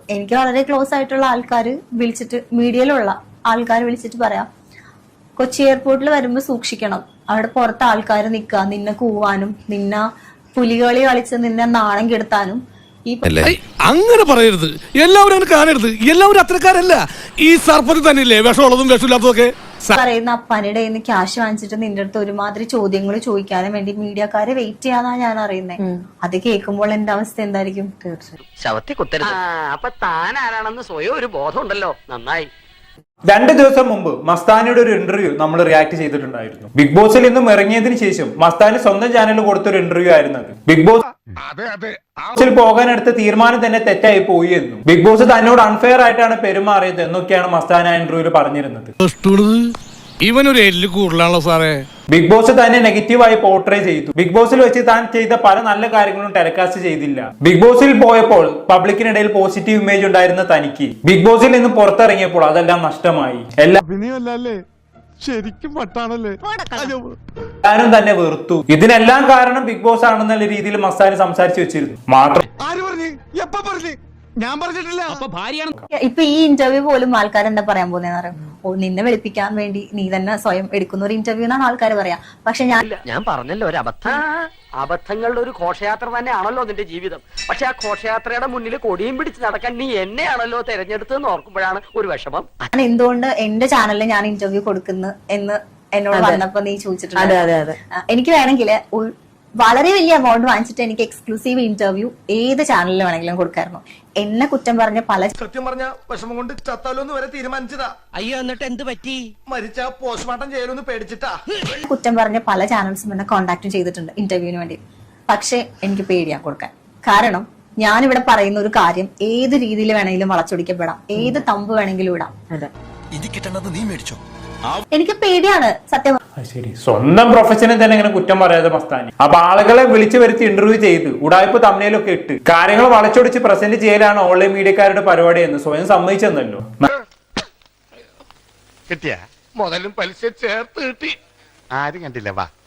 എനിക്ക് വളരെ ക്ലോസ് ആയിട്ടുള്ള ആൾക്കാർ വിളിച്ചിട്ട്, മീഡിയയിലുള്ള ആൾക്കാർ വിളിച്ചിട്ട് പറയാം, കൊച്ചി എയർപോർട്ടിൽ വരുമ്പോൾ സൂക്ഷിക്കണം, അവിടെ പുറത്ത് ആൾക്കാർ നിൽക്കുക, നിന്നെ കൂവാനും നിന്നെ പുലികളി കളിച്ച് നിന്നെ നാണം കെടുത്താനും. അങ്ങനെ പറയരുത്, എല്ലാവരും അങ്ങനെ കാണരുത്, എല്ലാവരും അത്രക്കാരല്ല. ഈ സർപ്പത്തിൽ തന്നെയില്ലേ വിഷമുള്ളതും വിഷമില്ലാത്തതൊക്കെ. പറയുന്ന അപ്പനിടെ നിന്ന് ക്യാഷ് വാങ്ങിച്ചിട്ട് നിന്റെ അടുത്ത് ഒരുമാതിരി ചോദ്യങ്ങൾ ചോദിക്കാനും വേണ്ടി മീഡിയക്കാരെ വെയിറ്റ് ചെയ്യാന്നാ ഞാൻ അറിയുന്നത്. അത് കേൾക്കുമ്പോൾ എന്റെ അവസ്ഥ എന്തായിരിക്കും? ശവത്തി കുത്തരുത്. അപ്പൊ താൻ ആരാണെന്ന് സ്വയം ഒരു ബോധം ഉണ്ടല്ലോ, നന്നായി. 2 ദിവസം മുമ്പ് മസ്താനിയുടെ ഒരു ഇന്റർവ്യൂ നമ്മൾ റിയാക്ട് ചെയ്തിട്ടുണ്ടായിരുന്നു. ബിഗ് ബോസിൽ നിന്നും ഇറങ്ങിയതിനു ശേഷം മസ്താനി സ്വന്തം ചാനലിൽ കൊടുത്തൊരു ഇന്റർവ്യൂ ആയിരുന്നു അത്. ബിഗ് ബോസിൽ പോകാനെടുത്ത തീരുമാനം തന്നെ തെറ്റായി പോയി എന്നും ബിഗ് ബോസ് തന്നോട് അൺഫെയർ ആയിട്ടാണ് പെരുമാറിയത് എന്നൊക്കെയാണ് മസ്താനി ആ ഇന്റർവ്യൂവിൽ പറഞ്ഞിരുന്നത്. ഇവനൊരു എല്ല് കൂടുതലാണല്ലോ സാറേ. ബിഗ് ബോസ് തന്നെ നെഗറ്റീവായി പോർട്രേ ചെയ്തു. ബിഗ് ബോസിൽ വെച്ച് താൻ ചെയ്ത പല നല്ല കാര്യങ്ങളും ടെലികാസ്റ്റ് ചെയ്തില്ല. ബിഗ് ബോസിൽ പോയപ്പോൾ പബ്ലിക്കിനിടയിൽ പോസിറ്റീവ് ഇമേജ് ഉണ്ടായിരുന്ന തനിക്ക് ബിഗ് ബോസിൽ നിന്ന് പുറത്തിറങ്ങിയപ്പോൾ അതെല്ലാം നഷ്ടമായി. എല്ലാരും തന്നെ വെറുത്തു. ഇതിനെല്ലാം കാരണം ബിഗ് ബോസ് ആണെന്നുള്ള രീതിയിൽ മസ്താനി സംസാരിച്ചു വെച്ചിരുന്നു. മാത്രം ഞാൻ പറഞ്ഞിട്ടില്ല. ഇപ്പൊ ഈ ഇന്റർവ്യൂ പോലും ആൾക്കാർ എന്താ പറയാൻ പോകുന്നതെന്ന് അറിയാം, ഓ നിന്നെ വെളുപ്പിക്കാൻ വേണ്ടി നീ തന്നെ സ്വയം എടുക്കുന്ന ഒരു ഇന്റർവ്യൂ എന്നാണ് ആൾക്കാർ പറയാ. പക്ഷെ ഞാൻ പറഞ്ഞല്ലോ ഒരു അബദ്ധം. അബദ്ധങ്ങളുടെ ഒരു ഘോഷയാത്ര തന്നെയാണല്ലോ നിന്റെ ജീവിതം. പക്ഷെ ആ ഘോഷയാത്രയുടെ മുന്നിൽ കൊടിയും പിടിച്ച് നടക്കാൻ നീ എന്നെയാണല്ലോ തെരഞ്ഞെടുത്തതെന്ന് ഓർക്കുമ്പോഴാണ് ഒരു വിഷമം. ഞാൻ എന്തുകൊണ്ട് എന്റെ ചാനലിൽ ഞാൻ ഇന്റർവ്യൂ കൊടുക്കുന്നു എന്ന് എന്നോട് വന്നപ്പോ നീ ചോദിച്ചിട്ടുണ്ട്. എനിക്ക് വേണമെങ്കിൽ വളരെ വലിയ എമൗണ്ട് വാങ്ങിച്ചിട്ട് എനിക്ക് എക്സ്ക്ലൂസീവ് ഇന്റർവ്യൂ ഏത് ചാനലിൽ വേണമെങ്കിലും കൊടുക്കായിരുന്നു. എന്നെ കുറ്റം പറഞ്ഞ പല, സത്യം പറഞ്ഞ വിഷമം കൊണ്ട് ചത്താലോന്ന് വരെ തീരുമാനിച്ചതാ. അയ്യോ, എന്നിട്ട് എന്ത് പറ്റി? മരിച്ച പോസ്റ്റ്മോർട്ടം ചെയ്യലൊന്ന് പേടിച്ചിട്ടാ. കുറ്റം പറഞ്ഞ പല ചാനൽസും എന്നെ കോണ്ടാക്ട് ചെയ്തിട്ടുണ്ട് ഇന്റർവ്യൂവിന് വേണ്ടി. പക്ഷെ എനിക്ക് പേടിയാ കൊടുക്കാൻ. കാരണം ഞാനിവിടെ പറയുന്ന ഒരു കാര്യം ഏത് രീതിയിൽ വേണമെങ്കിലും വളച്ചൊടിക്കപ്പെടാം, ഏത് തമ്പ് വേണമെങ്കിലും ഇടാം. എനിക്ക് പേടിയാണ് സത്യം. ശരി, സ്വന്തം പ്രൊഫഷനെ തന്നെ ഇങ്ങനെ കുറ്റം പറയാതെ മസ്താനി. അപ്പൊ ആളുകളെ വിളിച്ചു വരുത്തി ഇന്റർവ്യൂ ചെയ്ത് ഉടായ്പ തമ്മിലൊക്കെ ഇട്ട് കാര്യങ്ങൾ വളച്ചൊടിച്ച് പ്രസന്റ് ചെയ്യലാണ് ഓൺലൈൻ മീഡിയക്കാരുടെ പരിപാടി എന്ന് സ്വയം സമ്മതിച്ചെന്നല്ലോ. കിട്ടിയ മുതലും പലിശ ചേർത്ത് കിട്ടി. ആരും കണ്ടില്ല. വാ.